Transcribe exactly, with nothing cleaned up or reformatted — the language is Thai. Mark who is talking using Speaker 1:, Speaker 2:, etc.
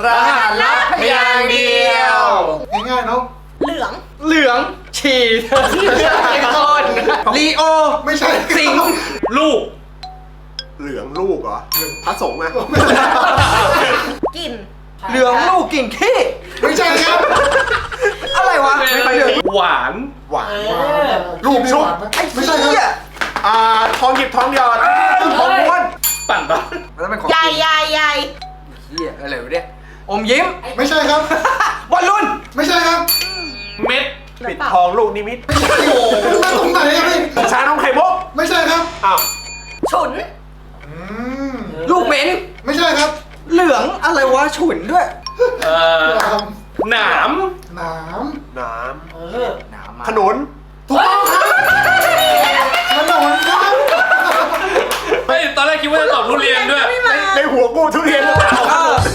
Speaker 1: รหัสลับพยางค์เดียว
Speaker 2: ง่ายๆเนาะ
Speaker 3: เหลือง
Speaker 1: เหลืองฉีดเป็นคนลีโอ
Speaker 2: ไม่ใช่
Speaker 1: สิงลูก
Speaker 4: เหลืองลูกเหรอพระสงฆ์อะ
Speaker 3: กลิ่น
Speaker 1: เหลืองลูกกลิ่นขี้
Speaker 2: ไม่ใช่ครับ
Speaker 1: อะไรวะไม่ใช่เหลือง
Speaker 5: หวาน
Speaker 4: หวาน
Speaker 2: ลูกชุบไม่ใช่ครับ
Speaker 4: อ่าทองหยิบทองหยอดทองม้วน
Speaker 5: ปั่นปะ
Speaker 1: แล้วเป็นของ
Speaker 3: ใหญ่ใหญ่ใหญ่
Speaker 1: เฮียอะไรวะเนี่ยอมยิ้ม
Speaker 2: ไม่ใช่ครับ
Speaker 1: บอลลูน
Speaker 2: ไม่ใช่ครับ
Speaker 5: เม็ด
Speaker 4: ปิดทองลูกนิมิต
Speaker 2: โอ้โหมาตรงไหนอะพี่
Speaker 4: ชานมไข่มุก
Speaker 2: ไม่ใช่ครับ
Speaker 4: อ้าว
Speaker 3: ฉุน
Speaker 2: อืม
Speaker 1: ลูกเหม็น
Speaker 2: ไม่ใช่ครับ
Speaker 1: เหลืองอะไรวะฉุนด้วย
Speaker 5: เอ่อหนาม
Speaker 2: หนาม
Speaker 4: น้
Speaker 1: น้ำมา
Speaker 4: ำขนุน
Speaker 2: ถูกต้องครับขนมครับ
Speaker 5: เฮ้ยตอนแรกคิดว่าจะตอบทุเรียนด้วย
Speaker 3: ไม่มา
Speaker 4: ในหัวกูทุเรียนหรือเปล่า
Speaker 1: เออ